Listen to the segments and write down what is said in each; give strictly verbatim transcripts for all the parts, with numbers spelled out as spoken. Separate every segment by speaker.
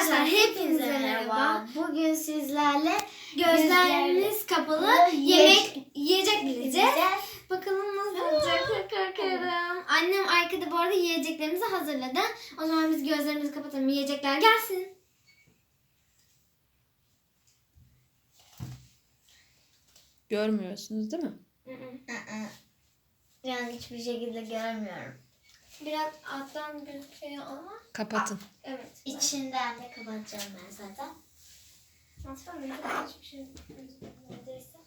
Speaker 1: Arkadaşlar hepinize merhaba.
Speaker 2: Bugün sizlerle
Speaker 1: Gözleriniz kapalı yemek yiyecek bileceğiz. Bakalım nasıl olacak, çok korkuyorum. Annem arkada bu arada yiyeceklerimizi hazırladı. O zaman biz gözlerimizi kapatalım, yiyecekler gelsin.
Speaker 3: Görmüyorsunuz değil mi?
Speaker 2: Yani hiçbir şekilde görmüyorum.
Speaker 1: Biraz alttan gözüküyor ama.
Speaker 3: Kapatın.
Speaker 1: Evet.
Speaker 2: İçinden de kapatacağım ben zaten.
Speaker 1: Aslında hiçbir şey neredeyse.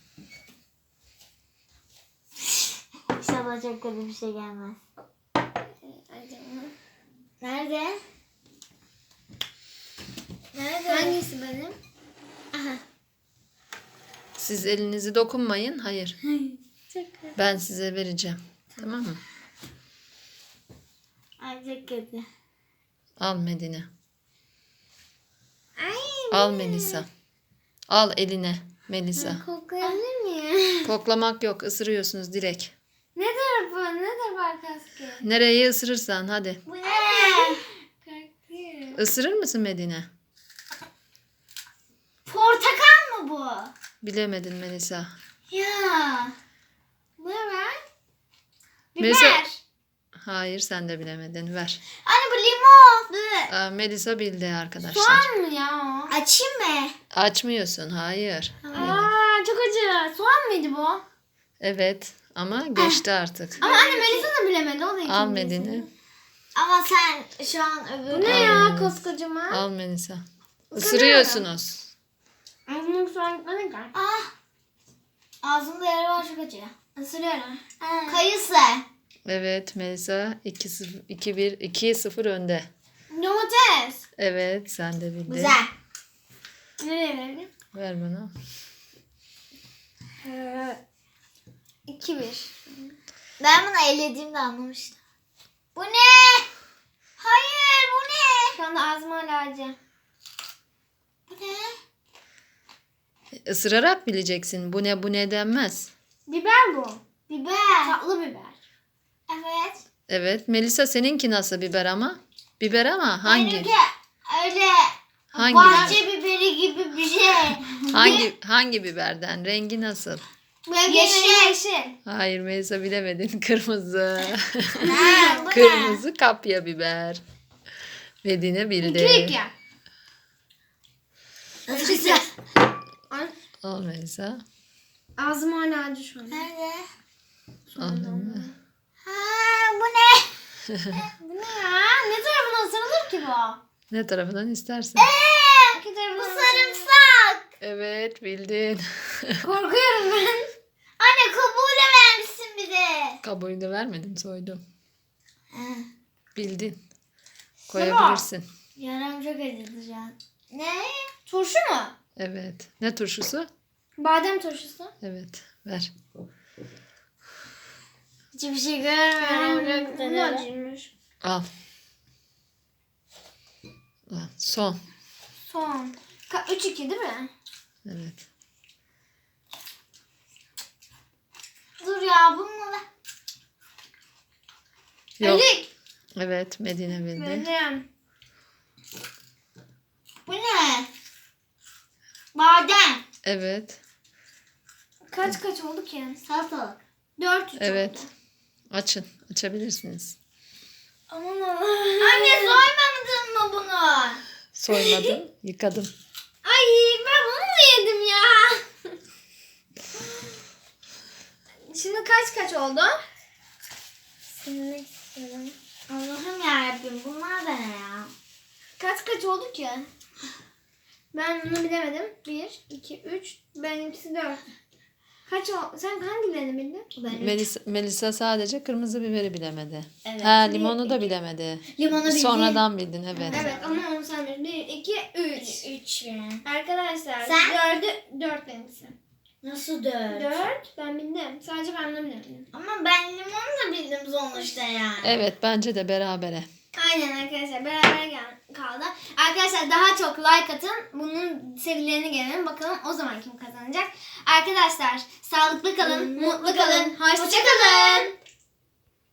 Speaker 2: İnşallah çok kötü bir şey gelmez.
Speaker 1: Acaba.
Speaker 2: Nerede? Nerede?
Speaker 1: Hangisi benim?
Speaker 2: Aha.
Speaker 3: Siz elinizi dokunmayın. Hayır.
Speaker 1: Çok kötü.
Speaker 3: Ben size vereceğim. Tamam mı?
Speaker 2: Ay çok kötü.
Speaker 3: Al Medine.
Speaker 1: Ay.
Speaker 3: Al Melisa. Al eline Melisa.
Speaker 1: Koklayabilir miyim?
Speaker 3: Koklamak yok. Isırıyorsunuz direkt.
Speaker 1: Ne tarafı? Ne tarafı arkası?
Speaker 3: Nereyi ısırırsan hadi.
Speaker 2: Bu ne?
Speaker 1: Korkuyorum.
Speaker 3: Isırır mısın Medine?
Speaker 2: Portakal mı bu?
Speaker 3: Bilemedin Melisa.
Speaker 2: Ya.
Speaker 1: Ne var? Biber.
Speaker 3: Melisa. Hayır sen de bilemedin. Ver.
Speaker 2: Anne bu limon. Dı.
Speaker 3: Aa, Melisa bildi arkadaşlar.
Speaker 1: Soğan mı ya o?
Speaker 2: Açayım mı?
Speaker 3: Açmıyorsun. Hayır.
Speaker 1: Aa, çok acı. Soğan mıydı bu?
Speaker 3: Evet. Ama geçti artık.
Speaker 1: Ama anne Melisa da bilemedi. O da ikincisi.
Speaker 3: Al Medine.
Speaker 2: Ama sen şu an öbür...
Speaker 1: Bu ne ya koskocaman?
Speaker 3: Al Melisa. Isırıyorsunuz.
Speaker 1: Ağzımın soğan gitmedi ki.
Speaker 2: Ah. Ağzımda yara var çok acı.
Speaker 1: Isırıyorum.
Speaker 2: Kayısı.
Speaker 3: Evet Melisa iki bir iki sıfır önde.
Speaker 1: Domates.
Speaker 3: Evet sen de bildin.
Speaker 2: Güzel.
Speaker 1: Nereye verelim?
Speaker 3: Ver bana.
Speaker 1: Ee, iki bir.
Speaker 2: Ben bunu ellediğimde anlamıştım. Bu ne? Hayır bu ne?
Speaker 1: Şu anda ağzım hala acı.
Speaker 2: Bu ne?
Speaker 3: Isırarak bileceksin. Bu ne bu ne denmez.
Speaker 1: Biber bu.
Speaker 2: Biber.
Speaker 1: Tatlı biber.
Speaker 2: Evet.
Speaker 3: Evet Melisa seninki nasıl biber ama? Biber ama hangi?
Speaker 2: Benimki öyle
Speaker 3: Hangi?
Speaker 2: bahçe biberi gibi bir şey.
Speaker 3: Hangi hangi biberden? Rengi nasıl?
Speaker 1: Benim
Speaker 2: Yeşil.
Speaker 1: yeşil. yeşil.
Speaker 3: Hayır Melisa bilemedin. Kırmızı.
Speaker 2: Ha, bu ne?
Speaker 3: Kırmızı kapya biber. Medine bildi.
Speaker 1: İki iki.
Speaker 2: Nasıl güzel?
Speaker 1: Ay,
Speaker 3: Al Melisa.
Speaker 1: ağzım hala acı şu an.
Speaker 2: Nerede?
Speaker 3: Al.
Speaker 2: Ha, bu ne?
Speaker 1: Bu ne ya? Ne tarafına ısırılır ki bu?
Speaker 3: Ne tarafından istersen.
Speaker 1: İki
Speaker 2: Bu
Speaker 1: tarafına
Speaker 2: sarımsak.
Speaker 3: Evet bildin.
Speaker 1: Korkuyorum ben.
Speaker 2: Anne kabuğuyla vermişsin bir de.
Speaker 3: Kabuğunu da vermedim soydum.
Speaker 2: Ha,
Speaker 3: Bildin. Koyabilirsin.
Speaker 2: yaram çok acıdı şu an. Ne?
Speaker 1: Turşu mu?
Speaker 3: Evet. Ne turşusu?
Speaker 1: Badem turşusu.
Speaker 3: Evet. Ver.
Speaker 2: Hiçbir şey görmüyorum. Çok
Speaker 1: Bu da
Speaker 2: güzel.
Speaker 1: acıymış.
Speaker 3: Al. Al. Son.
Speaker 1: Son. Ka- üç iki değil mi?
Speaker 3: Evet.
Speaker 2: Dur ya bununla.
Speaker 3: Yok.
Speaker 1: Elik.
Speaker 3: Evet. Medine bildi.
Speaker 1: Benim.
Speaker 2: Bu ne? Badem.
Speaker 3: Evet.
Speaker 1: Kaç kaç oldu ki?
Speaker 2: Salatalık.
Speaker 1: Dört üç
Speaker 3: Evet.
Speaker 1: oldu.
Speaker 3: Açın. Açabilirsiniz.
Speaker 1: Aman Allah.
Speaker 2: Anne soymadın mı bunu?
Speaker 3: Soymadım. Yıkadım.
Speaker 1: Ay ben bunu mu yedim ya? Şimdi kaç kaç oldu? Silmek istiyorum.
Speaker 2: Allah'ım yarabbim bunlar da ne ya?
Speaker 1: Kaç kaç oldu ki? Ben bunu bilemedim. Bir, iki, üç. Benimkisi dört. Kaç oldu? Sen hangilerini bildin?
Speaker 2: Ben
Speaker 3: Melisa, Melisa sadece kırmızı biberi bilemedi.
Speaker 2: Evet.
Speaker 3: Ha limonu da bilemedi.
Speaker 2: Limonu bildim.
Speaker 3: Sonradan bildin evet.
Speaker 1: Evet ama onu sen bildin. Bir, iki, üç.
Speaker 2: Üç mi?
Speaker 1: Arkadaşlar
Speaker 2: Sen?
Speaker 1: dördü, dört benimkisi.
Speaker 2: Nasıl dört?
Speaker 1: Dört ben bildim. Sadece ben bunu bilemedim.
Speaker 2: Ama ben limonu da bildim sonuçta yani.
Speaker 3: Evet bence de berabere.
Speaker 1: Aynen arkadaşlar beraber gel- kaldı. Arkadaşlar daha çok like atın. Bunun serilerini gelelim. Bakalım o zaman kim kazanacak. Arkadaşlar sağlıklı kalın, mutlu kalın. Hoşça kalın.